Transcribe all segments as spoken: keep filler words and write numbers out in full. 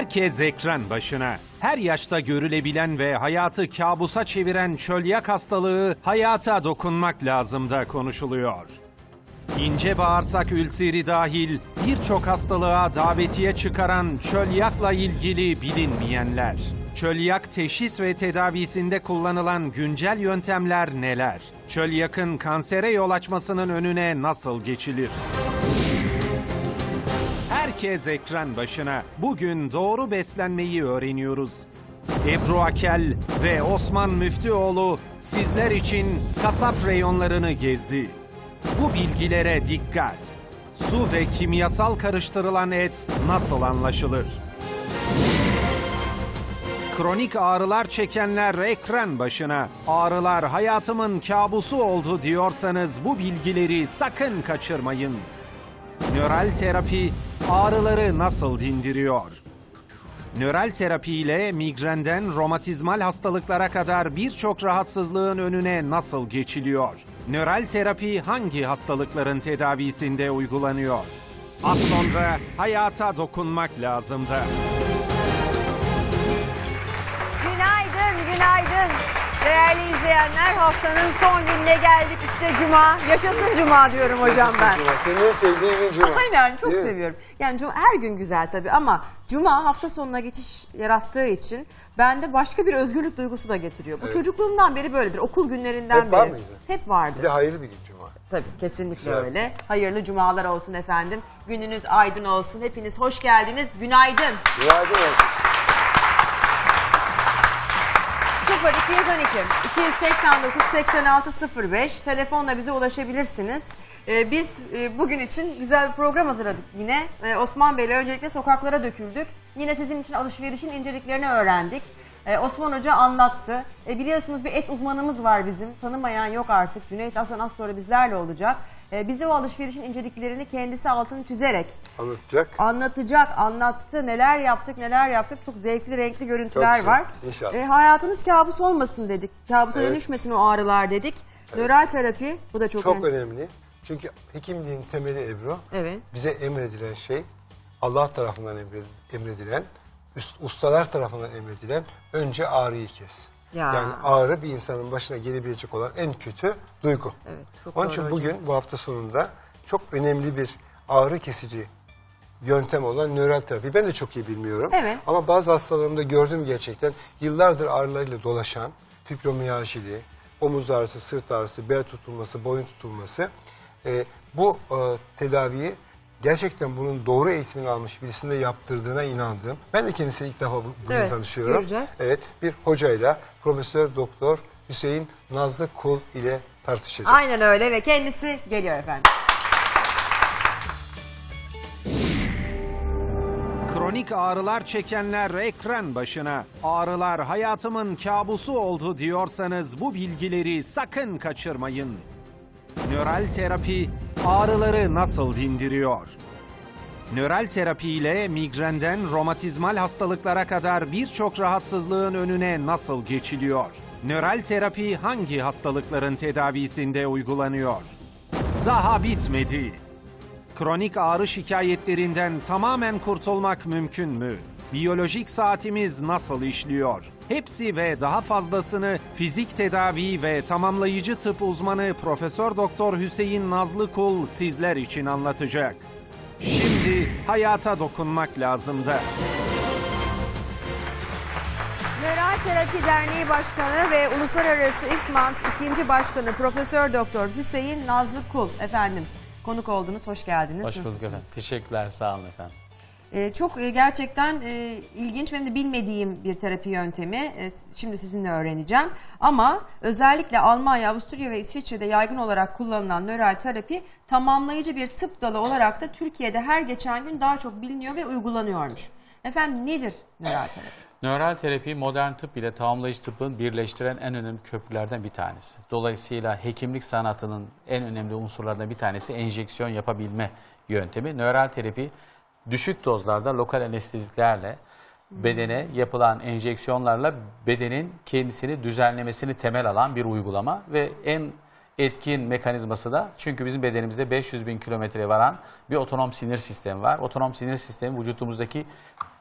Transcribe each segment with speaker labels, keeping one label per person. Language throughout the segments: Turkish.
Speaker 1: Herkes ekran başına. Her yaşta görülebilen ve hayatı kabusa çeviren çölyak hastalığı hayata dokunmak lazım da konuşuluyor. İnce bağırsak ülseri dahil birçok hastalığa davetiye çıkaran çölyakla ilgili bilinmeyenler. Çölyak teşhis ve tedavisinde kullanılan güncel yöntemler neler? Çölyakın kansere yol açmasının önüne nasıl geçilir? Herkes ekran başına. Bugün doğru beslenmeyi öğreniyoruz. Ebru Akel ve Osman Müftüoğlu sizler için kasap reyonlarını gezdi. Bu bilgilere dikkat. Su ve kimyasal karıştırılan et nasıl anlaşılır? Kronik ağrılar çekenler ekran başına. Ağrılar hayatımın kabusu oldu diyorsanız bu bilgileri sakın kaçırmayın. Nöral terapi ağrıları nasıl dindiriyor? Nöral terapi ile migrenden romatizmal hastalıklara kadar birçok rahatsızlığın önüne nasıl geçiliyor? Nöral terapi hangi hastalıkların tedavisinde uygulanıyor? Az sonra hayata dokunmak lazım da.
Speaker 2: Günaydın, günaydın. Değerli izleyenler, haftanın son gününe geldik. İşte Cuma. Yaşasın Cuma diyorum hocam ben.
Speaker 3: Cuma. Senin en sevdiğin gün Cuma.
Speaker 2: Aynen, çok
Speaker 3: Değil mi?
Speaker 2: seviyorum. Yani Cuma, her gün güzel tabii ama Cuma hafta sonuna geçiş yarattığı için bende başka bir özgürlük duygusu da getiriyor. Bu
Speaker 3: Evet.
Speaker 2: çocukluğumdan beri böyledir. Okul günlerinden
Speaker 3: Hep
Speaker 2: beri.
Speaker 3: var mıydı?
Speaker 2: Hep vardı.
Speaker 3: Bir de hayırlı bir gün Cuma.
Speaker 2: Tabii, kesinlikle
Speaker 3: Güzel.
Speaker 2: öyle. Hayırlı cumalar olsun efendim. Gününüz aydın olsun. Hepiniz hoş geldiniz. Günaydın.
Speaker 3: Günaydın olsun.
Speaker 2: sıfır iki on iki iki yüz seksen dokuz seksen altı sıfır beş telefonla bize ulaşabilirsiniz. Ee, biz e, bugün için güzel bir program hazırladık yine. Ee, Osman Bey'le öncelikle sokaklara döküldük. Yine sizin için alışverişin inceliklerini öğrendik. Ee, Osman Hoca anlattı. E, biliyorsunuz bir et uzmanımız var bizim. Tanımayan yok artık. Cüneyt Hasan az sonra bizlerle olacak. E, bize o alışverişin inceliklerini kendisi altını çizerek
Speaker 3: Anlatacak.
Speaker 2: anlatacak, anlattı. Neler yaptık, neler yaptık. Çok zevkli, renkli görüntüler
Speaker 3: Çok güzel.
Speaker 2: var.
Speaker 3: İnşallah.
Speaker 2: E, hayatınız kabus olmasın dedik. Kabusa
Speaker 3: Evet.
Speaker 2: dönüşmesin o ağrılar dedik.
Speaker 3: Evet.
Speaker 2: Nöral terapi, bu da çok,
Speaker 3: Çok
Speaker 2: önemli.
Speaker 3: önemli. Çünkü hekimliğin temeli Ebru.
Speaker 2: Evet.
Speaker 3: Bize emredilen şey Allah tarafından emre- emredilen, üst, ustalar tarafından emredilen önce ağrıyı kes.
Speaker 2: Ya.
Speaker 3: Yani ağrı bir insanın başına gelebilecek olan en kötü duygu.
Speaker 2: Evet, çok
Speaker 3: Onun
Speaker 2: doğru
Speaker 3: için
Speaker 2: hocam.
Speaker 3: bugün bu hafta sonunda çok önemli bir ağrı kesici yöntem olan nöral terapi. Ben de çok iyi bilmiyorum.
Speaker 2: Evet.
Speaker 3: Ama bazı hastalarımda gördüm gerçekten yıllardır ağrılarıyla dolaşan fibromiyajili, omuz ağrısı, sırt ağrısı, bel tutulması, boyun tutulması. Ee, bu e, tedaviyi gerçekten bunun doğru eğitimini almış birisinde yaptırdığına inandığım. Ben de kendisiyle ilk defa bu- bugün
Speaker 2: Evet,
Speaker 3: tanışıyorum.
Speaker 2: göreceğiz.
Speaker 3: Evet, bir hocayla Profesör Doktor Hüseyin Nazlı Kul ile tartışacağız.
Speaker 2: Aynen öyle ve kendisi geliyor efendim.
Speaker 1: Kronik ağrılar çekenler ekran başına. Ağrılar hayatımın kabusu oldu diyorsanız bu bilgileri sakın kaçırmayın. Nöral terapi ağrıları nasıl dindiriyor? Nöral terapi ile migrenden romatizmal hastalıklara kadar birçok rahatsızlığın önüne nasıl geçiliyor? Nöral terapi hangi hastalıkların tedavisinde uygulanıyor? Daha bitmedi. Kronik ağrı şikayetlerinden tamamen kurtulmak mümkün mü? Biyolojik saatimiz nasıl işliyor? Hepsi ve daha fazlasını fizik tedavi ve tamamlayıcı tıp uzmanı Profesör Doktor Hüseyin Nazlı Kul sizler için anlatacak. Şimdi hayata dokunmak lazım da.
Speaker 2: Nöral Terapi Derneği Başkanı ve Uluslararası İFMANT ikinci Başkanı Profesör Doktor Hüseyin Nazlı Kul efendim. Konuk oldunuz, hoş geldiniz.
Speaker 4: Hoş bulduk
Speaker 2: Nasılsınız?
Speaker 4: efendim. Teşekkürler, sağ olun efendim.
Speaker 2: Ee, çok e, gerçekten e, ilginç, benim de bilmediğim bir terapi yöntemi. E, şimdi sizinle öğreneceğim. Ama özellikle Almanya, Avusturya ve İsviçre'de yaygın olarak kullanılan nöral terapi tamamlayıcı bir tıp dalı olarak da Türkiye'de her geçen gün daha çok biliniyor ve uygulanıyormuş. Efendim nedir nöral terapi?
Speaker 4: Nöral terapi modern tıp ile tamamlayıcı tıbbın birleştiren en önemli köprülerden bir tanesi. Dolayısıyla hekimlik sanatının en önemli unsurlarından bir tanesi enjeksiyon yapabilme yöntemi. Nöral terapi düşük dozlarda lokal anesteziklerle bedene yapılan enjeksiyonlarla bedenin kendisini düzenlemesini temel alan bir uygulama ve en etkin mekanizması da, çünkü bizim bedenimizde beş yüz bin kilometreye varan bir otonom sinir sistemi var. Otonom sinir sistemi vücudumuzdaki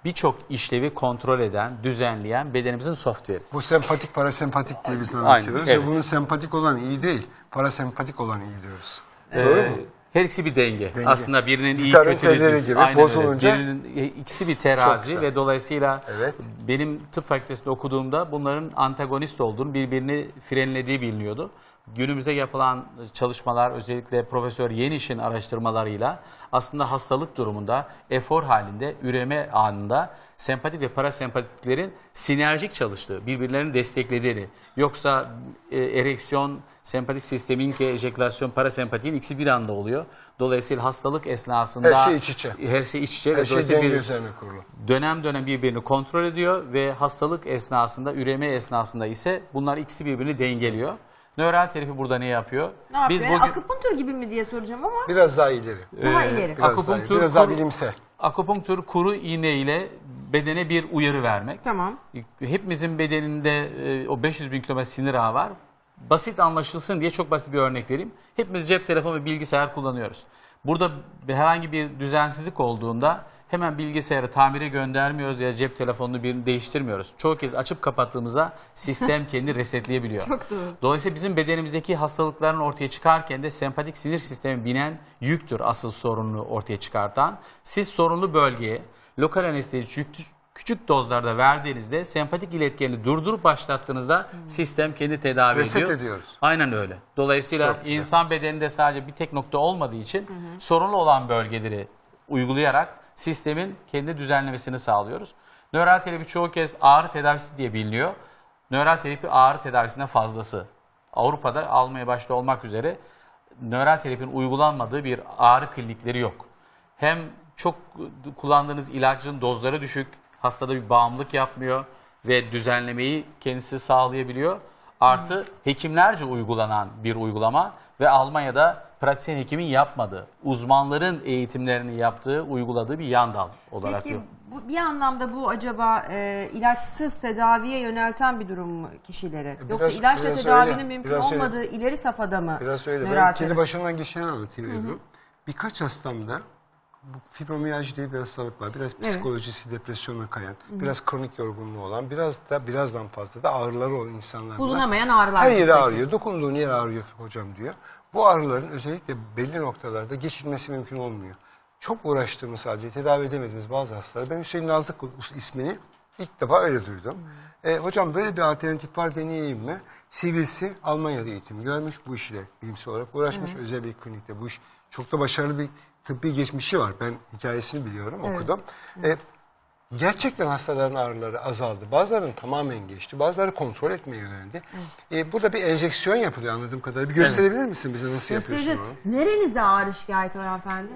Speaker 4: birçok işlevi kontrol eden, düzenleyen bedenimizin software'i.
Speaker 3: Bu sempatik parasempatik diye biz
Speaker 4: Aynen,
Speaker 3: anlatıyoruz.
Speaker 4: evet.
Speaker 3: Ve bunun sempatik olan iyi değil, parasempatik olan iyi diyoruz.
Speaker 4: Ee,
Speaker 3: Doğru mu?
Speaker 4: Her ikisi bir denge.
Speaker 3: Denge.
Speaker 4: Aslında birinin iyi
Speaker 3: Gitarın
Speaker 4: kötü bir-
Speaker 3: telleri gibi
Speaker 4: Aynen
Speaker 3: bozulunca-
Speaker 4: öyle. Birinin e, ikisi bir
Speaker 3: Çok
Speaker 4: terazi
Speaker 3: güzel.
Speaker 4: ve dolayısıyla
Speaker 3: Evet.
Speaker 4: benim tıp fakültesinde okuduğumda bunların antagonist olduğunu, birbirini frenlediği biliniyordu. Günümüzde yapılan çalışmalar, özellikle Profesör Yeniş'in araştırmalarıyla aslında hastalık durumunda, efor halinde, üreme anında sempatik ve parasempatiklerin sinerjik çalıştığı, birbirlerini desteklediğini, yoksa e, ereksiyon, sempatik sistemin ki ejekülasyon, parasempatiğin ikisi bir anda oluyor. Dolayısıyla hastalık esnasında
Speaker 3: Her şey iç içe.
Speaker 4: Her şey iç içe
Speaker 3: Her
Speaker 4: ve
Speaker 3: şey
Speaker 4: dolayısıyla
Speaker 3: denge
Speaker 4: bir
Speaker 3: üzerine kurulu.
Speaker 4: dönem dönem birbirini kontrol ediyor ve hastalık esnasında, üreme esnasında ise bunlar ikisi birbirini dengeliyor. Nöral terapi burada ne yapıyor?
Speaker 2: Ne yapıyor?
Speaker 4: Biz
Speaker 2: Yani
Speaker 4: bugün
Speaker 2: akupunktur gibi mi diye soracağım ama
Speaker 3: Biraz daha ileri.
Speaker 2: daha
Speaker 4: Ee,
Speaker 2: ileri.
Speaker 3: Biraz daha,
Speaker 4: akupunktur,
Speaker 3: iyi, biraz daha
Speaker 4: kuru-
Speaker 3: bilimsel.
Speaker 4: akupunktur kuru iğne ile bedene bir uyarı vermek.
Speaker 2: Tamam.
Speaker 4: Hepimizin bedeninde e, o beş yüz bin kilometre sinir ağı var. Basit anlaşılsın diye çok basit bir örnek vereyim. Hepimiz cep telefonu ve bilgisayar kullanıyoruz. Burada herhangi bir düzensizlik olduğunda hemen bilgisayarı tamire göndermiyoruz ya cep telefonunu birini değiştirmiyoruz. Çoğu kez açıp kapattığımızda sistem kendini resetleyebiliyor.
Speaker 2: Çok doğru.
Speaker 4: Dolayısıyla bizim bedenimizdeki hastalıkların ortaya çıkarken de sempatik sinir sistemi binen yüktür asıl sorununu ortaya çıkartan. Siz sorunlu bölgeye lokal anestezi yüklü- küçük dozlarda verdiğinizde sempatik iletkenini durdurup başlattığınızda sistem kendi tedavi
Speaker 3: Reset
Speaker 4: ediyor.
Speaker 3: ediyoruz.
Speaker 4: Aynen öyle. Dolayısıyla
Speaker 3: Çok güzel.
Speaker 4: insan bedeninde sadece bir tek nokta olmadığı için sorunlu olan bölgeleri uygulayarak sistemin kendi düzenlemesini sağlıyoruz. Nöral terapi çoğu kez ağrı tedavisi diye biliniyor. Nöral terapi ağrı tedavisine fazlası. Avrupa'da almaya başta olmak üzere nöral terapinin uygulanmadığı bir ağrı klinikleri yok. Hem çok kullandığınız ilacın dozları düşük, hastada bir bağımlılık yapmıyor ve düzenlemeyi kendisi sağlayabiliyor. Artı hekimlerce uygulanan bir uygulama ve Almanya'da pratisyen hekimin yapmadığı, uzmanların eğitimlerini yaptığı, uyguladığı bir yan dal olarak.
Speaker 2: Peki
Speaker 4: yok.
Speaker 2: bu, bir anlamda bu acaba e, ilaçsız tedaviye yönelten bir durum mu kişileri?
Speaker 3: Biraz-
Speaker 2: Yoksa ilaçla
Speaker 3: biraz
Speaker 2: tedavinin
Speaker 3: öyle,
Speaker 2: mümkün
Speaker 3: biraz öyle.
Speaker 2: olmadığı ileri safhada mı?
Speaker 3: Biraz öyle.
Speaker 2: nöral
Speaker 3: Ben kendi
Speaker 2: terapi?
Speaker 3: başımdan geçeni anlatayım Ebru. Birkaç hastamda bu fibromiyalji diye bir hastalık var. Biraz psikolojisi, depresyona kayan, biraz kronik yorgunluğu olan, biraz da birazdan fazla da ağrıları olan insanlar var.
Speaker 2: Bulunamayan ağrılar.
Speaker 3: Her yeri
Speaker 2: peki.
Speaker 3: ağrıyor. Dokunduğun yer ağrıyor hocam diyor. Bu ağrıların özellikle belli noktalarda geçilmesi mümkün olmuyor. Çok uğraştığımız halde tedavi edemediğimiz bazı hastalar. Ben Hüseyin Nazlık ismini ilk defa öyle duydum. E, hocam böyle bir alternatif var, deneyeyim mi? C V C Almanya'da eğitim görmüş, bu işle bilimsel olarak uğraşmış. Özel bir klinikte bu iş çok da başarılı bir tıbbi geçmişi var. Ben hikayesini biliyorum, okudum. E, gerçekten hastaların ağrıları azaldı. Bazılarının tamamen geçti. Bazıları kontrol etmeye yöneldi. E, burada bir enjeksiyon yapılıyor anladığım kadarıyla. Bir gösterebilir misin bize nasıl yapıyorsun
Speaker 2: Göstereceğiz.
Speaker 3: onu?
Speaker 2: Nerenizde ağrı şikayeti var hanımefendi?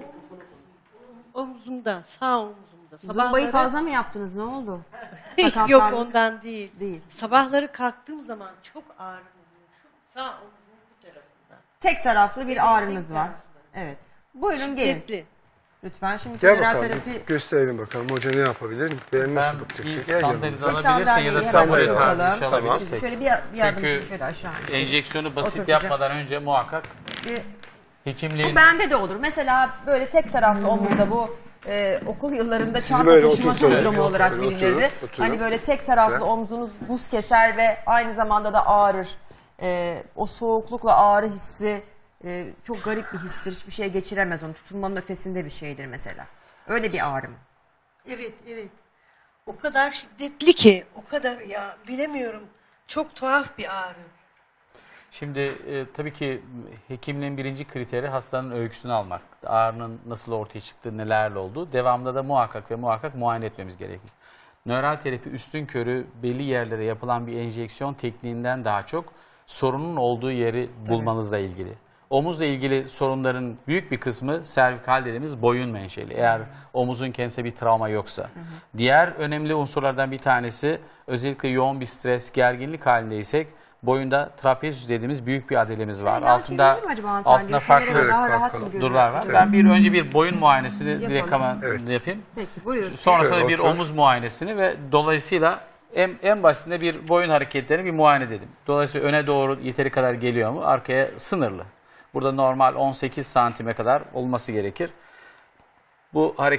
Speaker 5: Omzumda, sağ omzumda.
Speaker 2: Zumbayı
Speaker 5: Sabahları-
Speaker 2: fazla mı yaptınız? Ne oldu?
Speaker 5: Yok
Speaker 2: Sakatlandı.
Speaker 5: ondan değil.
Speaker 2: Değil.
Speaker 5: Sabahları kalktığım zaman çok ağrım oluyor. Şu sağ omzumun bu tarafında.
Speaker 2: Tek taraflı bir
Speaker 5: Evet,
Speaker 2: ağrınız
Speaker 5: tek
Speaker 2: var.
Speaker 5: taraflı.
Speaker 2: Evet. Buyurun gelin.
Speaker 5: Şiddetli.
Speaker 2: Lütfen şimdi
Speaker 3: Gel
Speaker 2: nöral
Speaker 3: bakalım,
Speaker 2: terapi
Speaker 3: bir gösterelim bakalım hoca ne yapabilir? Beğenmezse bakacak şey.
Speaker 4: bir
Speaker 3: Gel
Speaker 4: sandalye
Speaker 3: yanımıza.
Speaker 2: Bir
Speaker 4: alabilirsin ya da
Speaker 2: sandalyeyi hemen
Speaker 3: sandalye
Speaker 4: sandalye tarzı bir şey
Speaker 2: oturtalım.
Speaker 3: Tamam.
Speaker 2: Siz
Speaker 4: alabilirsek.
Speaker 2: şöyle bir, bir yardımcı
Speaker 4: Çünkü
Speaker 2: şöyle aşağı.
Speaker 4: Enjeksiyonu basit
Speaker 2: Oturtacağım.
Speaker 4: yapmadan önce muhakkak
Speaker 2: Bir-
Speaker 4: hekimliğin...
Speaker 2: Bu bende de olur. Mesela böyle tek taraflı omuzda bu e, okul yıllarında çanta
Speaker 3: böyle
Speaker 2: taşıma
Speaker 3: oturtun.
Speaker 2: sendromu
Speaker 3: Böyle
Speaker 2: olarak
Speaker 3: oturun,
Speaker 2: bilinirdi.
Speaker 3: oturun, oturun.
Speaker 2: Hani böyle tek taraflı
Speaker 3: Güzel.
Speaker 2: omzunuz buz keser ve aynı zamanda da ağrır. E, o soğuklukla ağrı hissi e, çok garip bir histir. Hiçbir şey geçiremez onu. Tutulmanın ötesinde bir şeydir mesela. Öyle bir ağrı mı?
Speaker 5: Evet, evet. O kadar şiddetli ki, o kadar ya bilemiyorum. Çok tuhaf bir ağrı.
Speaker 4: Şimdi e, tabii ki hekimliğin birinci kriteri hastanın öyküsünü almak. Ağrının nasıl ortaya çıktığı, nelerle olduğu. Devamında da muhakkak ve muhakkak muayene etmemiz gerekir. Nöral terapi üstünkörü belli yerlere yapılan bir enjeksiyon tekniğinden daha çok sorunun olduğu yeri bulmanızla ilgili. Omuzla ilgili sorunların büyük bir kısmı servikal dediğimiz boyun menşeli. Eğer omuzun kendisine bir travma yoksa. Hı hı. Diğer önemli unsurlardan bir tanesi özellikle yoğun bir stres, gerginlik halindeysek boyunda trapezius dediğimiz büyük bir adelemiz var.
Speaker 2: Yan
Speaker 4: Altında
Speaker 2: çevirelim mi acaba hanımefendi?
Speaker 4: altında farklı
Speaker 2: Kamerada daha
Speaker 3: Evet,
Speaker 2: rahat mı
Speaker 3: bakalım.
Speaker 2: görünüyor?
Speaker 4: durlar var.
Speaker 2: Evet.
Speaker 4: Ben bir önce bir boyun muayenesini
Speaker 2: Yapalım.
Speaker 4: direkt hemen
Speaker 3: Evet.
Speaker 4: yapayım.
Speaker 2: Peki buyurun.
Speaker 4: Sonrasında
Speaker 3: Şöyle
Speaker 4: bir
Speaker 3: otur.
Speaker 4: omuz muayenesini ve dolayısıyla en, en basitinde bir boyun hareketlerini bir muayene edelim. Dolayısıyla öne doğru yeteri kadar geliyor mu? Arkaya sınırlı. Burada normal on sekiz santime kadar olması gerekir. Bu hareket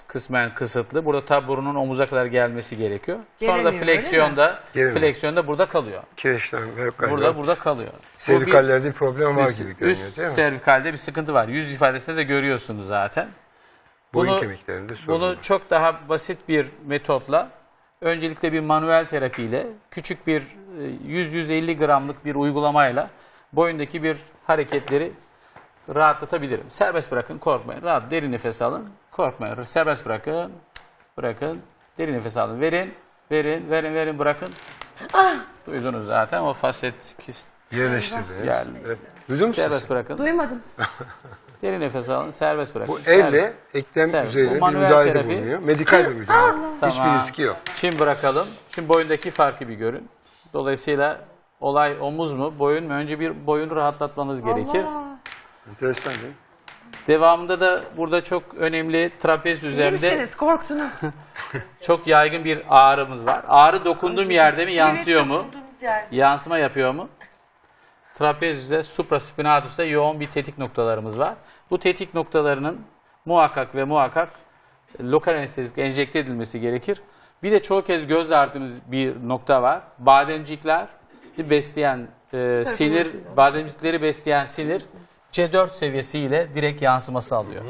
Speaker 4: kısmen kısıtlı. Burada tabi burunun omuza kadar gelmesi gerekiyor. Sonra da
Speaker 2: Gelemiyor, öyle mi?
Speaker 4: fleksiyonda
Speaker 3: Gelemiyor.
Speaker 4: fleksiyonda burada kalıyor.
Speaker 3: Kireçlenme hep galiba.
Speaker 4: Burada burada kalıyor. Bu bir-
Speaker 3: Servikallerde bir problem var
Speaker 4: üst,
Speaker 3: gibi görünüyor
Speaker 4: üst
Speaker 3: değil mi?
Speaker 4: servikalde bir sıkıntı var. Yüz ifadesinde de görüyorsunuz zaten.
Speaker 3: Boyun
Speaker 4: Bunu-
Speaker 3: kemiklerinde sorun
Speaker 4: Bunu
Speaker 3: var.
Speaker 4: çok daha basit bir metotla, öncelikle bir manuel terapiyle, küçük bir yüz yüz elli gramlık bir uygulamayla boyundaki bir hareketleri rahatlatabilirim. Serbest bırakın, korkmayın. Rahat, derin nefes alın, korkmayın. Serbest bırakın, bırakın, derin nefes alın. Verin, verin, verin, verin, bırakın. Duydunuz zaten o faset kist.
Speaker 3: Yerleştirdiniz.
Speaker 4: Yani.
Speaker 3: Evet. Duydun mu
Speaker 4: Serbest
Speaker 3: siz?
Speaker 4: bırakın.
Speaker 2: Duymadım.
Speaker 4: Derin nefes alın, serbest bırakın.
Speaker 3: Bu
Speaker 4: Serbest.
Speaker 3: elle eklem
Speaker 4: Serbest.
Speaker 3: üzerine
Speaker 4: Bu
Speaker 3: bir
Speaker 4: manuel
Speaker 3: müdahalede
Speaker 4: terapi.
Speaker 3: bulunuyor. Medikal bir müdahale. Hiçbir
Speaker 4: Tamam.
Speaker 3: riski yok.
Speaker 4: Şimdi bırakalım. Şimdi boyundaki farkı bir görün. Dolayısıyla olay omuz mu, boyun mu? Önce bir boyunu rahatlatmanız gerekir.
Speaker 2: Allah.
Speaker 3: Enteresan değil mi?
Speaker 4: Devamında da burada çok önemli trapez
Speaker 2: İyi
Speaker 4: üzerinde
Speaker 2: misiniz? Korktunuz.
Speaker 4: çok yaygın bir ağrımız var. Ağrı dokunduğum yerde mi, yansıyor
Speaker 5: Evet,
Speaker 4: mu?
Speaker 5: dokunduğunuz yer.
Speaker 4: Yansıma yapıyor mu? Trapezüste, supraspinatus'ta yoğun bir tetik noktalarımız var. Bu tetik noktalarının muhakkak ve muhakkak lokal anestezik enjekte edilmesi gerekir. Bir de çoğu kez göz ardımız bir nokta var. Bademcikler besleyen e, sinir, bademcikleri besleyen sinir C dört seviyesiyle direkt yansıması alıyor.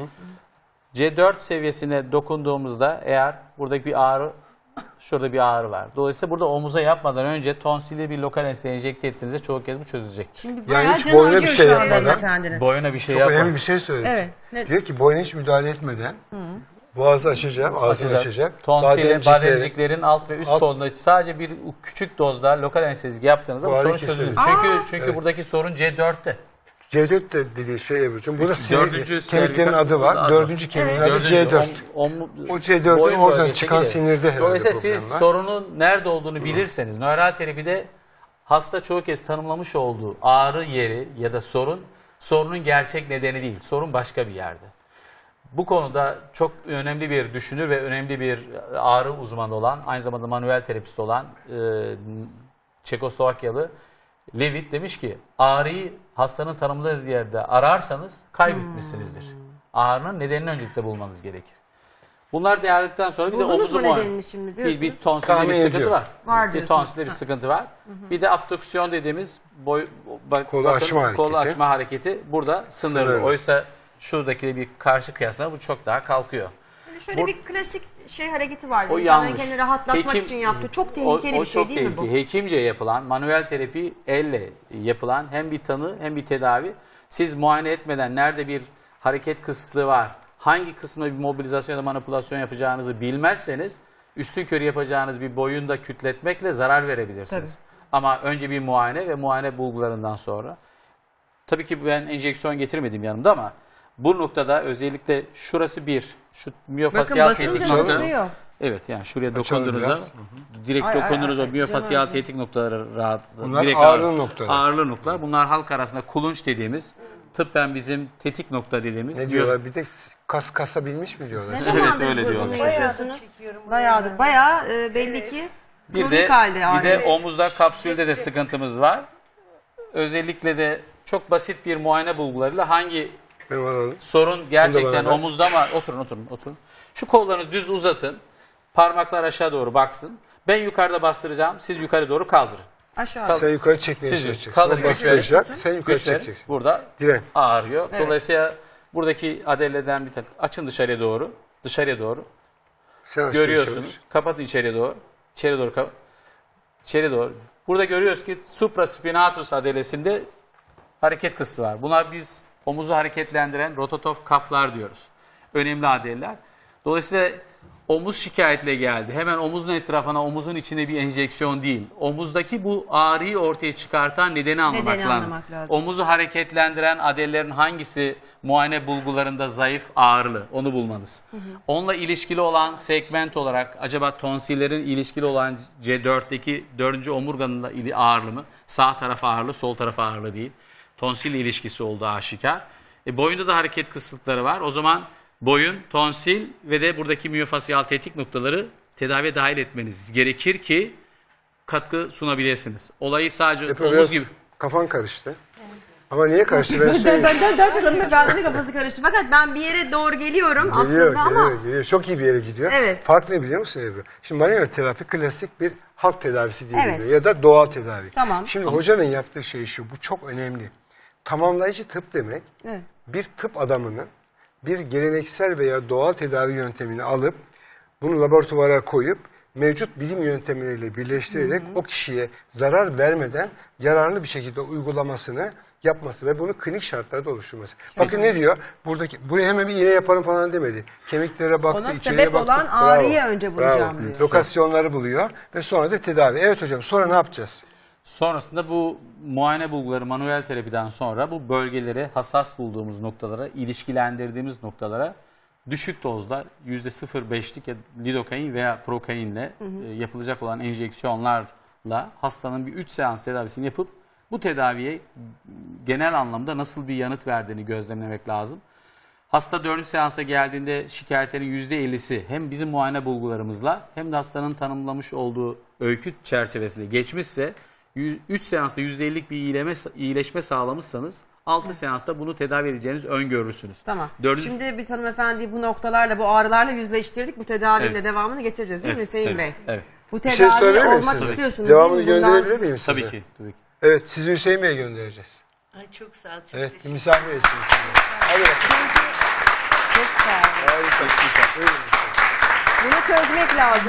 Speaker 4: C dört seviyesine dokunduğumuzda eğer buradaki bir ağrı, şurada bir ağrı var. Dolayısıyla burada omuza yapmadan önce tonsili bir lokal anestezi enjekte ettiğinizde çoğu kez bu çözülecek.
Speaker 2: Şimdi bayağı
Speaker 3: Yani hiç
Speaker 2: canı
Speaker 3: boyuna bir
Speaker 2: acıyor
Speaker 3: şey
Speaker 2: şu anda
Speaker 3: yapmadan-
Speaker 2: hanımefendinin.
Speaker 4: Boyuna bir şey
Speaker 3: Çok
Speaker 4: yapma.
Speaker 3: önemli bir şey söyledi.
Speaker 2: Evet. Ne-
Speaker 3: Diyor ki boyuna hiç müdahale etmeden boğazı açacağım, ağzını açacağım.
Speaker 4: Tonsili,
Speaker 3: Bademcikleri-
Speaker 4: bademciklerin alt ve üst
Speaker 3: Alt-
Speaker 4: kolunda sadece bir küçük dozda lokal anestezik yaptığınızda bu
Speaker 3: Bu ağrı
Speaker 4: sorun
Speaker 3: kesilir.
Speaker 4: çözülür. Çünkü çünkü buradaki sorun C dörtte.
Speaker 3: C dört de dediği şey Ebru'cum. Burada sinir,
Speaker 4: Dördüncü
Speaker 3: kemiklerin
Speaker 4: servikal-
Speaker 3: adı var.
Speaker 4: adı.
Speaker 3: Dördüncü kemiğin adı C dört.
Speaker 4: Om- om-
Speaker 3: O C dört'ün
Speaker 4: boyun
Speaker 3: oradan
Speaker 4: bölgesi
Speaker 3: çıkan
Speaker 4: gider.
Speaker 3: sinirde herhalde
Speaker 4: Dolayısıyla
Speaker 3: problem
Speaker 4: siz
Speaker 3: var.
Speaker 4: sorunun nerede olduğunu bilirseniz, nöral terapide hasta çoğu kez tanımlamış olduğu ağrı yeri ya da sorun, sorunun gerçek nedeni değil. Sorun başka bir yerde. Bu konuda çok önemli bir düşünür ve önemli bir ağrı uzmanı olan, aynı zamanda manuel terapist olan e, Çekoslovakyalı Levitt demiş ki ağrıyı hastanın tanımladığı yerde ararsanız kaybetmişsinizdir. Ağrının nedenini öncelikle bulmanız gerekir. Bunlar değerledikten sonra bir de
Speaker 2: Buldunuz
Speaker 4: omuzu
Speaker 2: mu
Speaker 4: muayene.
Speaker 2: nedenini şimdi
Speaker 4: Bir,
Speaker 2: diyorsunuz?
Speaker 4: bir tonsilde
Speaker 3: Tahmin
Speaker 4: bir sıkıntı
Speaker 3: ediyorum.
Speaker 4: var.
Speaker 2: Var
Speaker 4: bir
Speaker 2: diyorsunuz.
Speaker 4: tonsilde bir sıkıntı var. Bir de abdüksiyon dediğimiz boy, bak,
Speaker 3: Kolu
Speaker 4: bakın,
Speaker 3: açma hareketi.
Speaker 4: kolu açma hareketi burada sınırlı.
Speaker 3: Sınırlı.
Speaker 4: Oysa şuradaki bir karşı kıyasla bu çok daha kalkıyor.
Speaker 2: Şöyle
Speaker 4: Bu-
Speaker 2: bir klasik şey hareketi var.
Speaker 4: O
Speaker 2: İnsanların
Speaker 4: yanlış.
Speaker 2: kendini rahatlatmak
Speaker 4: Hekim-
Speaker 2: için yaptığı. Çok
Speaker 4: O,
Speaker 2: tehlikeli
Speaker 4: o
Speaker 2: bir şey
Speaker 4: çok
Speaker 2: değil mi bu?
Speaker 4: tehlikeli. Hekimce yapılan manuel terapi elle yapılan hem bir tanı hem bir tedavi. Siz muayene etmeden nerede bir hareket kısıtlığı var, hangi kısmına bir mobilizasyon ya da manipülasyon yapacağınızı bilmezseniz üstünkörü yapacağınız bir boyunda kütletmekle zarar verebilirsiniz. Ama önce bir muayene ve muayene bulgularından sonra. Tabii ki ben enjeksiyon getirmedim yanımda ama bu noktada özellikle şurası bir, şu
Speaker 2: Bakın
Speaker 4: miyofasyal
Speaker 2: basınca
Speaker 4: tetik
Speaker 3: Açalım.
Speaker 4: nokta.
Speaker 2: zıplıyor.
Speaker 4: Evet yani şuraya
Speaker 3: Açalım
Speaker 4: dokunduğunuzda
Speaker 3: biraz.
Speaker 4: direkt
Speaker 2: Ay, ay,
Speaker 4: dokunduğunuz
Speaker 2: ay,
Speaker 4: o miyofasyal
Speaker 2: canım.
Speaker 4: tetik noktaları rahat.
Speaker 3: Bunlar
Speaker 4: direkt
Speaker 3: ağrılı
Speaker 4: ağrı-
Speaker 3: noktalar.
Speaker 4: Ağrılı noktalar. Bunlar halk arasında kulunç dediğimiz, tıbben bizim tetik nokta dediğimiz.
Speaker 3: Ne diyorlar? Bir de kas kasabilmiş mi diyorlar?
Speaker 2: Ne
Speaker 4: Evet,
Speaker 2: zamandır
Speaker 4: öyle
Speaker 2: bu-
Speaker 4: diyorlar.
Speaker 2: bunu
Speaker 5: Bayağıdır
Speaker 2: yaşıyorsunuz?
Speaker 5: çekiyorum bunu.
Speaker 2: Bayağıdır. Bayağı e, belli ki
Speaker 4: Bir
Speaker 2: kronik
Speaker 4: de,
Speaker 2: halde
Speaker 4: bir de
Speaker 2: ağrınız.
Speaker 4: omuzda kapsülde de sıkıntımız var. Özellikle de çok basit bir muayene bulgularıyla hangi
Speaker 3: Benim alalım.
Speaker 4: sorun gerçekten
Speaker 3: bana ver.
Speaker 4: omuzda mı? Oturun oturun oturun. Şu kollarınızı düz uzatın. Parmaklar aşağı doğru baksın. Ben yukarıda bastıracağım. Siz yukarı doğru kaldırın.
Speaker 2: Aşağı.
Speaker 3: Sen yukarı çekmeye
Speaker 4: Siz
Speaker 3: çalışacaksın.
Speaker 4: kaldır,
Speaker 3: O
Speaker 4: güç
Speaker 3: bastıracak,
Speaker 2: verin.
Speaker 3: sen yukarı
Speaker 4: Güç verin.
Speaker 3: çekeceksin.
Speaker 4: Burada
Speaker 3: Diren.
Speaker 4: ağrıyor.
Speaker 2: Evet.
Speaker 4: Dolayısıyla buradaki adeleden bir tak açın dışarıya doğru. Dışarıya doğru.
Speaker 3: Sen açmaya
Speaker 4: Görüyorsunuz.
Speaker 3: çalış.
Speaker 4: Kapatın içeriye doğru. İçeri doğru kap İçeri doğru. Burada görüyoruz ki supraspinatus adelesinde hareket kısıtı var. Bunlar biz omuzu hareketlendiren rotator kaflar diyoruz. Önemli adeleler. Dolayısıyla omuz şikayetle geldi. Hemen omuzun etrafına, omuzun içine bir enjeksiyon değil. Omuzdaki bu ağrıyı ortaya çıkartan nedeni anlamak
Speaker 2: Nedeni
Speaker 4: lazım.
Speaker 2: anlamak lazım.
Speaker 4: Omuzu hareketlendiren adelelerin hangisi muayene bulgularında zayıf, ağrılı onu bulmanız. Onunla ilişkili olan segment olarak acaba tonsillerin ilişkili olan C dörtteki dördüncü omurganın da ili- ağırlı mı? Sağ taraf ağırlı, sol taraf ağırlı değil. Tonsil ilişkisi olduğu aşikar. E, boyunda da hareket kısıtları var. O zaman boyun, tonsil ve de buradaki miyofasyal tetik noktaları tedaviye dahil etmeniz gerekir ki katkı sunabilirsiniz. Olayı sadece
Speaker 3: Hep
Speaker 4: omuz
Speaker 3: biraz
Speaker 4: gibi.
Speaker 3: kafan karıştı. Ama niye karıştı ben
Speaker 2: Ben,
Speaker 3: söyleyeyim.
Speaker 2: benden daha çok hanımefendinin kafası karıştı. Fakat ben bir yere doğru geliyorum
Speaker 3: Geliyor,
Speaker 2: aslında
Speaker 3: geliyor,
Speaker 2: ama
Speaker 3: geliyor. Çok iyi bir yere gidiyor.
Speaker 2: Evet.
Speaker 3: Fark ne biliyor musun Ebru? Şimdi manuel terapi klasik bir halk tedavisi diye
Speaker 2: Evet.
Speaker 3: biliyor ya da doğal tedavi.
Speaker 2: Tamam.
Speaker 3: Şimdi hocanın yaptığı şey şu, bu çok önemli. Tamamlayıcı tıp demek,
Speaker 2: Evet.
Speaker 3: bir tıp adamının bir geleneksel veya doğal tedavi yöntemini alıp bunu laboratuvara koyup mevcut bilim yöntemleriyle birleştirerek o kişiye zarar vermeden yararlı bir şekilde uygulamasını yapması ve bunu klinik şartlarda oluşturması. Bakın ne diyor? Buradaki buraya hemen bir iğne yaparım falan demedi. Kemiklere baktı,
Speaker 2: Ona
Speaker 3: içeriye
Speaker 2: sebep
Speaker 3: baktı.
Speaker 2: olan ağrıyı önce bulacağım diyor.
Speaker 3: Lokasyonları buluyor ve sonra da tedavi. Evet hocam, sonra ne yapacağız?
Speaker 4: Sonrasında bu muayene bulguları manuel terapiden sonra bu bölgeleri hassas bulduğumuz noktalara, ilişkilendirdiğimiz noktalara düşük dozda yüzde sıfır virgül beşlik lidokain veya prokainle e, yapılacak olan enjeksiyonlarla hastanın bir üç seans tedavisini yapıp bu tedaviye genel anlamda nasıl bir yanıt verdiğini gözlemlemek lazım. Hasta dördüncü seansa geldiğinde şikayetlerin yüzde ellisi hem bizim muayene bulgularımızla hem de hastanın tanımlamış olduğu öykü çerçevesinde geçmişse üç seansta yüzde ellilik bir iyileme, iyileşme sağlamışsanız altı seansta bunu tedavi edeceğinizi öngörürsünüz.
Speaker 2: Tamam.
Speaker 4: Dördüncü...
Speaker 2: Şimdi biz hanımefendi bu noktalarla, bu ağrılarla yüzleştirdik. Bu tedavinin
Speaker 4: Evet.
Speaker 2: de devamını getireceğiz değil mi
Speaker 4: Evet,
Speaker 2: Hüseyin
Speaker 4: evet,
Speaker 2: Bey?
Speaker 4: evet.
Speaker 2: Bu
Speaker 3: Bir
Speaker 2: tedavi
Speaker 3: şey söyleyebilir miyim
Speaker 2: olmak
Speaker 3: size?
Speaker 2: istiyorsunuz
Speaker 3: Devamını
Speaker 2: değil mi? Bundan-
Speaker 3: gönderebilir miyim size?
Speaker 4: Tabii ki. Tabii ki.
Speaker 3: Evet, sizi Hüseyin Bey'e göndereceğiz.
Speaker 5: Ay çok sağ ol. Çok
Speaker 3: Evet,
Speaker 5: teşekkür
Speaker 3: misafir etsiniz. Hadi bakalım.
Speaker 2: Çok sağ olun.
Speaker 3: Buyurun.
Speaker 2: Bunu çözmek lazım.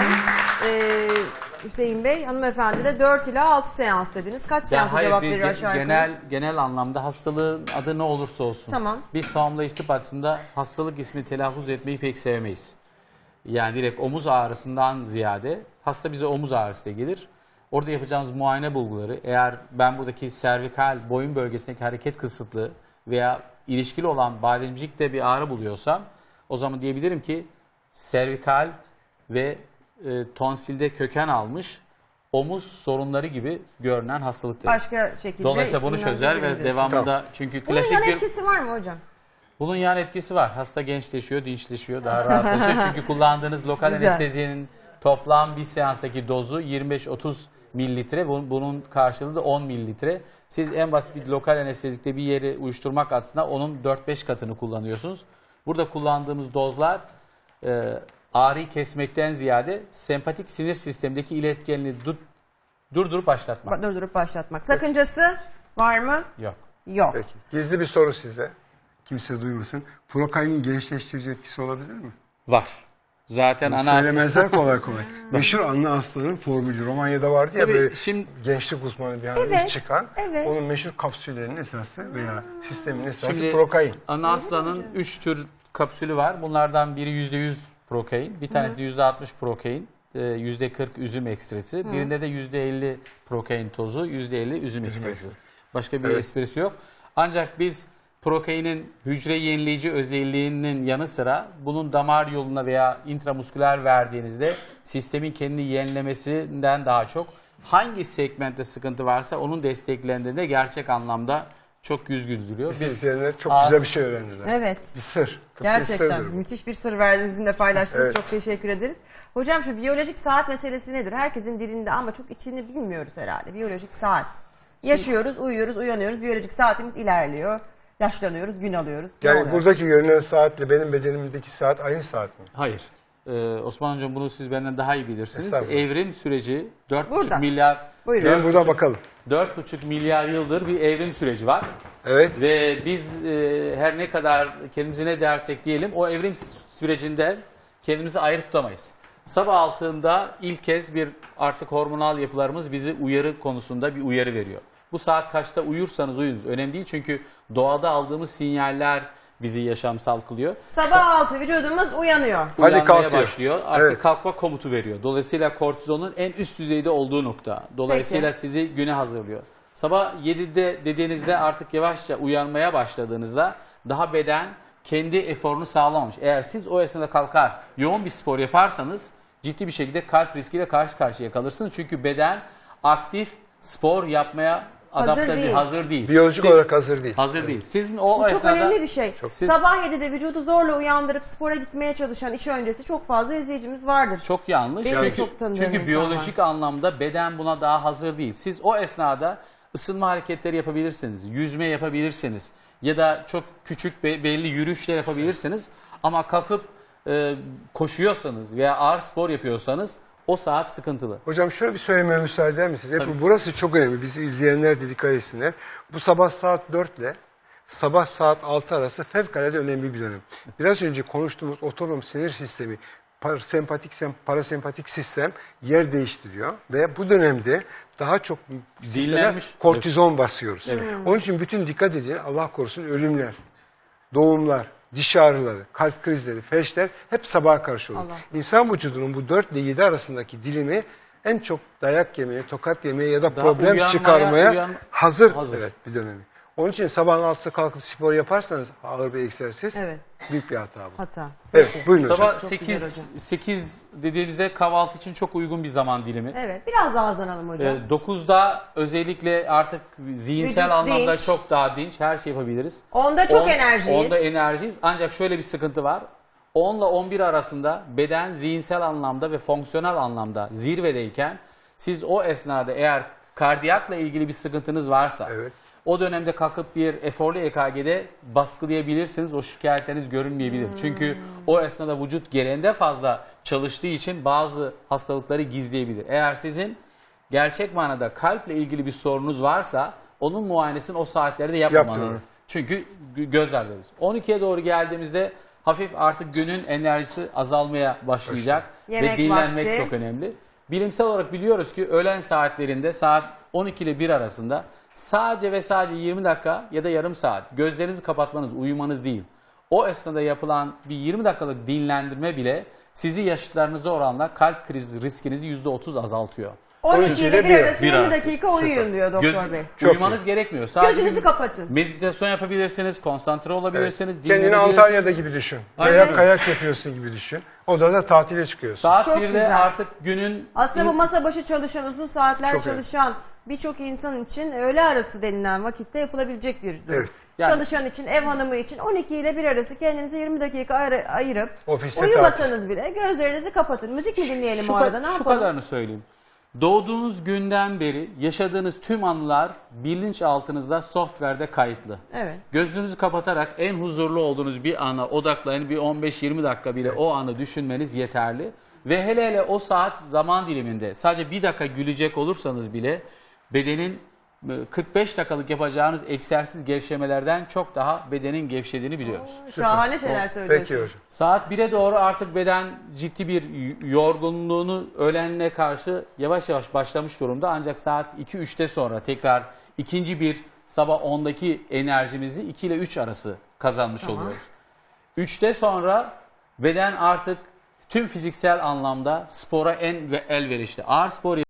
Speaker 2: Ee, Hüseyin Bey, hanımefendi de dört ila altı seans dediniz. Kaç
Speaker 4: Ya
Speaker 2: seansa
Speaker 4: hayır,
Speaker 2: cevap
Speaker 4: bir
Speaker 2: verir
Speaker 4: ge-
Speaker 2: aşağı yukarı?
Speaker 4: genel genel anlamda hastalığın adı ne olursa olsun.
Speaker 2: Tamam.
Speaker 4: Biz tamamlayıcı tıp açısında hastalık ismi telaffuz etmeyi pek sevmeyiz. Yani direkt omuz ağrısından ziyade hasta bize omuz ağrısı diye gelir. Orada yapacağımız muayene bulguları, eğer ben buradaki servikal boyun bölgesindeki hareket kısıtlığı veya ilişkili olan bademcikte bir ağrı buluyorsam o zaman diyebilirim ki servikal ve e, tonsilde köken almış omuz sorunları gibi görünen hastalıktır.
Speaker 2: Başka şekilde
Speaker 4: Dolayısıyla bunu
Speaker 2: isimler
Speaker 4: çözer ve
Speaker 2: verebiliriz.
Speaker 4: devamında
Speaker 3: Tamam.
Speaker 4: çünkü
Speaker 2: Bunun
Speaker 4: klasik
Speaker 2: yan
Speaker 4: bir
Speaker 2: etkisi var mı hocam?
Speaker 4: bunun yan etkisi var. Hasta gençleşiyor, dinçleşiyor, daha rahatlaşıyor. Çünkü kullandığınız lokal
Speaker 2: Güzel.
Speaker 4: anestezinin toplam bir seanstaki dozu yirmi beş otuz mililitre. Bunun- Bunun karşılığı da on mililitre. Siz en basit bir lokal anestezikte bir yeri uyuşturmak açısından onun dört beş katını kullanıyorsunuz. Burada kullandığımız dozlar e, ağrıyı kesmekten ziyade sempatik sinir sistemindeki iletkenliği dur- durdurup başlatmak.
Speaker 2: Durdurup başlatmak. Sakıncası var mı?
Speaker 4: Yok.
Speaker 2: Yok.
Speaker 3: Peki, gizli bir soru size. Kimse duymasın. Prokainin gençleştirici etkisi olabilir mi?
Speaker 4: Var. Zaten ana asıl-
Speaker 3: Söylemezler kolay kolay. Meşhur Anne Aslan'ın formülü. Romanya'da vardı ya
Speaker 4: Tabii
Speaker 3: böyle
Speaker 4: şimdi-
Speaker 3: gençlik uzmanı bir anda
Speaker 2: Evet,
Speaker 3: ilk çıkan.
Speaker 2: evet.
Speaker 3: Onun meşhur kapsüllerinin esası veya sistemin esası
Speaker 4: Şimdi
Speaker 3: prokain.
Speaker 4: ana aslanın üç tür kapsülü var. Bunlardan biri yüzde yüz prokain, bir tanesi de yüzde altmış prokain, e, yüzde kırk üzüm ekstresi, birinde de yüzde elli prokain tozu, yüzde elli üzüm ekstresi.
Speaker 3: ekstresi.
Speaker 4: Başka bir
Speaker 3: Evet.
Speaker 4: esprisi yok. Ancak biz prokainin hücre yenileyici özelliğinin yanı sıra bunun damar yoluna veya intramusküler verdiğinizde sistemin kendini yenilemesinden daha çok hangi segmentte sıkıntı varsa onun desteklendiğinde gerçek anlamda çok yüz güldürüyor.
Speaker 3: Biz
Speaker 4: Biz
Speaker 3: izleyenler çok
Speaker 4: Aa,
Speaker 3: güzel bir şey öğrendiler.
Speaker 2: Evet.
Speaker 3: Bir sır. Tıbbi
Speaker 2: Gerçekten
Speaker 3: sırdır bu.
Speaker 2: müthiş bir sır verdiniz, bizimle paylaştınız.
Speaker 3: Evet.
Speaker 2: Çok teşekkür ederiz. Hocam şu biyolojik saat meselesi nedir? Herkesin dilinde ama çok içini bilmiyoruz herhalde. Biyolojik saat. Yaşıyoruz, uyuyoruz, uyanıyoruz. Biyolojik saatimiz ilerliyor. Yaşlanıyoruz, gün alıyoruz. Ne
Speaker 3: Yani
Speaker 2: oluyor?
Speaker 3: buradaki görünen saatle benim bedenimdeki saat aynı saat mi?
Speaker 4: Hayır. Ee, Osman Hocam bunu siz benden daha iyi bilirsiniz.
Speaker 3: Estağfurullah.
Speaker 4: Evrim süreci dört
Speaker 2: Buradan.
Speaker 4: buçuk milyar
Speaker 2: Buyurun.
Speaker 3: Gelin buradan bakalım.
Speaker 4: dört buçuk milyar yıldır bir evrim süreci var.
Speaker 3: Evet.
Speaker 4: Ve biz e, her ne kadar kendimize ne dersek diyelim o evrim sürecinde kendimizi ayrı tutamayız. Sabah altında ilk kez bir artık hormonal yapılarımız bizi uyarı konusunda bir uyarı veriyor. Bu saat kaçta uyursanız uyunuz önemli değil çünkü doğada aldığımız sinyaller bizi yaşamsal kılıyor.
Speaker 2: Sabah altı vücudumuz uyanıyor.
Speaker 3: Hadi
Speaker 4: Uyanmaya
Speaker 3: kalk diyor.
Speaker 4: başlıyor. Artık
Speaker 3: Evet.
Speaker 4: kalkma komutu veriyor. Dolayısıyla kortizonun en üst düzeyde olduğu nokta. Dolayısıyla
Speaker 2: Peki.
Speaker 4: sizi güne hazırlıyor. Sabah yedide dediğinizde artık yavaşça uyanmaya başladığınızda daha beden kendi eforunu sağlamamış. Eğer siz o esnada kalkar yoğun bir spor yaparsanız ciddi bir şekilde kalp riskiyle karşı karşıya kalırsınız. Çünkü beden aktif spor yapmaya
Speaker 2: Hazır
Speaker 4: adapte değil,
Speaker 2: değil.
Speaker 4: hazır değil.
Speaker 3: Biyolojik
Speaker 4: Siz-
Speaker 3: olarak hazır değil.
Speaker 4: hazır değil. Sizin o
Speaker 2: Bu çok
Speaker 4: esnada
Speaker 2: önemli bir şey.
Speaker 4: Siz-
Speaker 2: Sabah yedide vücudu zorla uyandırıp spora gitmeye çalışan iş öncesi çok fazla izleyicimiz vardır.
Speaker 4: Çok yanlış.
Speaker 2: Benim de
Speaker 4: Çünkü,
Speaker 2: çok tanıdığım
Speaker 4: çünkü
Speaker 2: insan
Speaker 4: biyolojik
Speaker 2: var.
Speaker 4: anlamda beden buna daha hazır değil. Siz o esnada ısınma hareketleri yapabilirsiniz, yüzme yapabilirsiniz ya da çok küçük be- belli yürüyüşler yapabilirsiniz. Ama kalkıp e, koşuyorsanız veya ağır spor yapıyorsanız o saat sıkıntılı.
Speaker 3: Hocam şöyle bir söylemeye müsaade eder misiniz? Hep
Speaker 4: Tabii.
Speaker 3: burası çok önemli. Bizi izleyenler de dikkat etsinler. Bu sabah saat dört ile sabah saat altı arası fevkalade önemli bir dönem. Biraz önce konuştuğumuz otonom sinir sistemi, parasempatik, parasempatik sistem yer değiştiriyor. Ve bu dönemde daha çok sisteme
Speaker 4: Dinlenmiş.
Speaker 3: kortizon basıyoruz.
Speaker 4: Evet.
Speaker 3: Onun için bütün dikkat edin, Allah korusun, ölümler, doğumlar, diş ağrıları, kalp krizleri, felçler hep sabaha karşı olur.
Speaker 2: Allah.
Speaker 3: İnsan vücudunun bu dört ile yedi arasındaki dilimi en çok dayak yemeye, tokat yemeye ya da
Speaker 4: Daha
Speaker 3: problem
Speaker 4: uyanmaya,
Speaker 3: çıkarmaya
Speaker 4: uyan-
Speaker 3: hazır,
Speaker 4: hazır.
Speaker 3: Evet, bir dönemi. Onun için sabahın altısı kalkıp spor yaparsanız ağır bir egzersiz,
Speaker 2: Evet.
Speaker 3: büyük bir hata bu.
Speaker 2: Hata.
Speaker 3: Evet,
Speaker 2: Peki.
Speaker 3: buyurun hocam.
Speaker 4: Sabah
Speaker 2: Çok
Speaker 4: sekiz,
Speaker 2: güzel
Speaker 4: sekiz dediğimizde kahvaltı için çok uygun bir zaman dilimi.
Speaker 2: Evet, biraz daha hızlanalım hocam.
Speaker 4: Ee, dokuzda özellikle artık zihinsel
Speaker 2: Vücut
Speaker 4: anlamda
Speaker 2: dinç.
Speaker 4: çok daha dinç, her şey yapabiliriz.
Speaker 2: Onda çok
Speaker 4: On-
Speaker 2: enerjiyiz.
Speaker 4: Onda enerjiyiz. Ancak şöyle bir sıkıntı var. on ile on bir arasında beden zihinsel anlamda ve fonksiyonel anlamda zirvedeyken siz o esnada eğer kardiyakla ilgili bir sıkıntınız varsa
Speaker 3: Evet.
Speaker 4: o dönemde kalkıp bir eforlu E K G'de baskılayabilirsiniz. O şikayetleriniz görünmeyebilir.
Speaker 2: Hmm.
Speaker 4: Çünkü o esnada vücut gereğinde fazla çalıştığı için bazı hastalıkları gizleyebilir. Eğer sizin gerçek manada kalple ilgili bir sorunuz varsa onun muayenesini o saatlerde yapmamanız.
Speaker 3: Yaptırın.
Speaker 4: Çünkü gö- göz ardı ederiz. on ikiye doğru geldiğimizde hafif artık günün enerjisi azalmaya başlayacak.
Speaker 2: Yemek
Speaker 4: Ve dinlenmek
Speaker 2: vakti.
Speaker 4: çok önemli. Bilimsel olarak biliyoruz ki öğlen saatlerinde saat on iki ile bir arasında sadece ve sadece yirmi dakika ya da yarım saat gözlerinizi kapatmanız, uyumanız değil. O esnada yapılan bir yirmi dakikalık dinlendirme bile sizi yaşıtlarınıza oranla kalp krizi riskinizi yüzde otuz azaltıyor.
Speaker 2: on iki ile bir
Speaker 3: bir-
Speaker 2: arası
Speaker 4: bir
Speaker 2: yirmi
Speaker 4: arası.
Speaker 2: dakika uyuyun diyor doktor
Speaker 4: Göz,
Speaker 2: bey.
Speaker 3: Çok
Speaker 4: uyumanız
Speaker 3: iyi.
Speaker 4: gerekmiyor. Sadece
Speaker 2: Gözünüzü kapatın.
Speaker 4: meditasyon yapabilirsiniz, konsantre olabilirsiniz,
Speaker 3: Kendini
Speaker 4: dinlenebilirsiniz.
Speaker 3: Antalya'da gibi düşün.
Speaker 4: Aynen.
Speaker 3: Veya kayak yapıyorsun gibi düşün. Odada tatile çıkıyorsun.
Speaker 4: Saat
Speaker 2: Çok
Speaker 4: birde
Speaker 2: güzel.
Speaker 4: artık günün
Speaker 2: Aslında bu masa başı çalışan, uzun saatler
Speaker 3: Çok evet.
Speaker 2: çalışan birçok insan için öğle arası denilen vakitte yapılabilecek bir durum.
Speaker 3: Evet.
Speaker 4: Yani-
Speaker 2: Çalışan için, ev hanımı için on iki ile bir arası kendinize yirmi dakika ayır- ayırıp
Speaker 3: Ofiste
Speaker 2: uyumasanız bile gözlerinizi kapatın. Müzik mi dinleyelim
Speaker 4: şu,
Speaker 2: o
Speaker 4: ka-
Speaker 2: arada, ne
Speaker 4: şu
Speaker 2: yapalım?
Speaker 4: kadarını söyleyeyim. Doğduğunuz günden beri yaşadığınız tüm anılar bilinçaltınızda, software'de kayıtlı.
Speaker 2: Evet.
Speaker 4: Gözünüzü kapatarak en huzurlu olduğunuz bir ana odaklayın. Bir on beş yirmi dakika bile o anı düşünmeniz yeterli. Ve hele hele o saat zaman diliminde sadece bir dakika gülecek olursanız bile bedenin kırk beş dakikalık yapacağınız egzersiz gevşemelerden çok daha bedenin gevşediğini biliyoruz.
Speaker 2: Şahane şeyler söylüyorsun.
Speaker 3: Peki hocam.
Speaker 4: Saat bire doğru artık beden ciddi bir y- yorgunluğunu öğlenine karşı yavaş yavaş başlamış durumda. Ancak saat iki üçte sonra tekrar ikinci bir sabah ondaki enerjimizi iki ile üç arası kazanmış oluyoruz. üçte sonra beden artık tüm fiziksel anlamda spora en ve elverişli. Ağır spor